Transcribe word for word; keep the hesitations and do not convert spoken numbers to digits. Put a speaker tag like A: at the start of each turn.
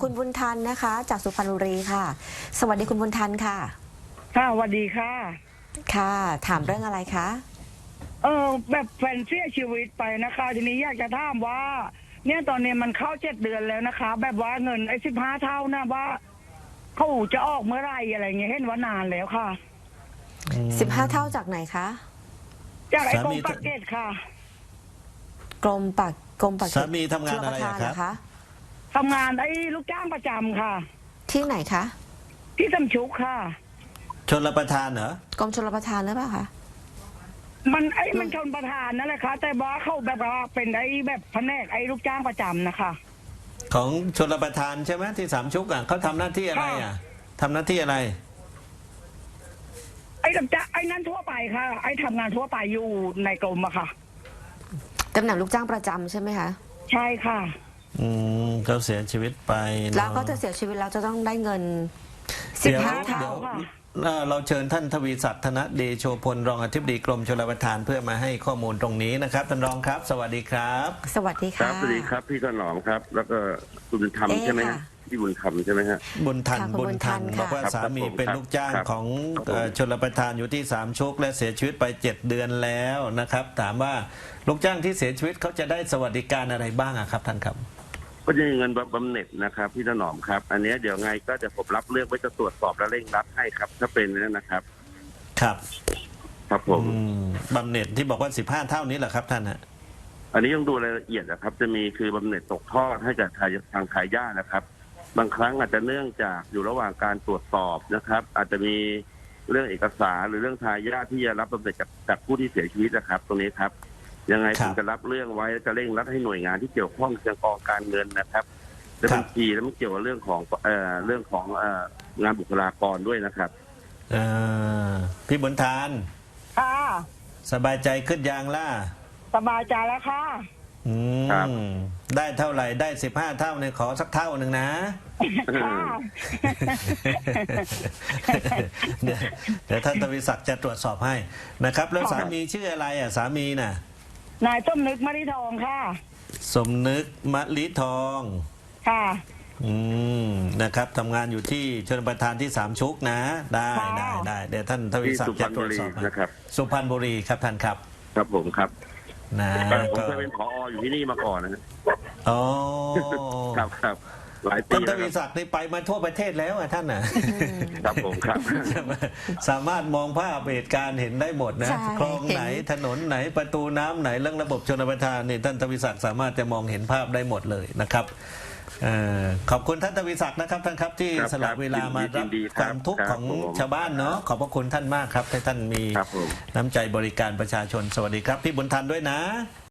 A: คุณบุญทันนะคะจากสุพรรณบุรีค่ะสวัสดีคุณบุญทันค่ะ
B: ค่ะสวัสดีค่ะ
A: ค่ะถามเรื่องอะไรคะ
B: เออแบบแฟนเสียชีวิตไปนะคะทีนี้อยากจะถามว่า เนี่ยตอนนี้มันเข้าเจ็ดเดือนแล้วนะคะ แบบว่าเงินไอ้สิบห้าเท่านะว่าเขาจะออกเมื่อไรอะไรเงี้ยเห็นว่านานแล้วค่ะ
A: สิบห้าเท่าจากไหนคะ
B: จากไอ้กรมปากเกตค่ะ
A: กรมปากกรมปากเกต
C: สามีทำงานอะไรครับ
B: ทำงานไอ้ลูกจ้างประจำค่ะ
A: ที่ไหนคะ
B: ที่สำชุกค่ะ
C: ชลประทานเหรอก
A: รมชลประทานหรือเปล่าคะ
B: มันไอ้มันชนประทานนั่นแหละค่ะแต่ว่าเขาแบบว่าเป็นไอ้แบบแผนกไอ้ลูกจ้างประจำนะคะ
C: ของชลประทานใช่ไหมที่สามชุกอ่ะเขาทำหน้าที่อะไรอ่ะทำหน้าที่อะไร
B: ไอ้ลูกจ้างไอ้นั้นทั่วไปค่ะไอ้ทำงานทั่วไปอยู่ในกรมอะค่ะ
A: ตำแหน่งลูกจ้างประจำใช่ไหมคะ
B: ใช่ค่ะ
C: อืมเขาเสียชีวิตไป
A: แล้วก็จะเสียชีวิตแล้วจะต้องได้เงินสิบห้าเท่าค่ะ
C: เราเชิญท่านทวีศักดิ์ธนเดโชพลรองอธิบดีกรมชลประทานเพื่อมาให้ข้อมูลตรงนี้นะครับท่านรองครับสวัสดีครับ
A: สวัสดีค่ะ
D: สวัสดีครับพี่ถนอมครับแล้วก็คุณบุญธรรมใช่ไหมฮะพี่บุญธรรมใช่ไหมฮะ
C: บุญทันบุญทันบอกว่าสามีเป็นลูกจ้างของชลประทานอยู่ที่สามชุกและเสียชีวิตไปเจ็ดเดือนแล้วนะครับถามว่าลูกจ้างที่เสียชีวิตเขาจะได้สวัสดิการอะไรบ้างครับท่านครับ
D: ก็จะมีเงินบำเหน็จนะครับพี่ถนอมครับอันนี้เดี๋ยวไงก็จะผมรับเรื่องไว้จะตรวจสอบและเร่งรัดให้ครับถ้าเป็นนะครับ
C: ครับ
D: ครับผม
C: บำเหน็จที่บอกว่าสิบห้าเท่านี้แหละครับท่านฮะ
D: อันนี้ต้องดูรายละเอียดนะครับจะมีคือบำเหน็จตกทอดให้กับทางทายาทนะครับบางครั้งอาจจะเนื่องจากอยู่ระหว่างการตรวจสอบนะครับอาจจะมีเรื่องเอกสารหรือเรื่องทายาทที่จะรับบำเหน็จจากจากผู้ที่เสียชีวิตนะครับตรงนี้ครับยังไงผมจะรับเรื่องไว้จะเร่งรัดให้หน่วยงานที่เกี่ยวข้องทางกองการเงินนะครับและบัญชีแล้วมันเกี่ยวกับเรื่องของเอ่อเรื่องของเอ่องานบุคลากรด้วยนะครับ
C: เอ่อพี่บุญทาน
B: ค่ะ
C: สบายใจขึ้นยังล่ะ
B: สบายใจแล้วค่ะ
C: อืมได้เท่าไหร่ได้สิบห้าเท่าเนี่ยขอสักเท่าหนึ่งนะเดี๋ยวเดี๋ยวท่านทวีศักดิ์จะตรวจสอบให้นะครับแล้วสามีชื่ออะไรอ่ะสามีน่ะ
B: นายสมนึกมะลิทองค่ะ
C: สมนึกมะลิทอง
B: ค่ะ
C: อืมนะครับทำงานอยู่ที่ชลประทานที่สามชุกนะได้ได้ได้เดี๋ยวท่านทวีศักดิ์จะตรวจสอบ
D: นะครับ
C: สุพรรณบุรีครับท่านครับ
D: ครับผมครับ
C: นะ
D: ผมเคยเป็นผออยู่ที่นี่มาก่อนนะ
C: อ๋อ
D: ครับครับหลายปี
C: ท่านทวีศักดิ์นี่ไปมาทั่วประเทศแล้วอ่ะท่านน่ะ
D: ครับผมครับ
C: สามารถมองภาพเหตุการณ์เห็นได้หมดนะคลองไหนถนนไหนประตูน้ำไหนเรื่องระบบชลประทานนี่ท่านทวีศักดิ์สามารถจะมองเห็นภาพได้หมดเลยนะครับขอบคุณท่านทวีศักดิ์นะครับท่านครับที่สละเวลามารับความทุกข์ของชาวบ้านเนาะขอบพระคุณท่านมากครับที่ท่านมีน้ำใจบริการประชาชนสวัสดีครับพี่บุญทันด้วยนะ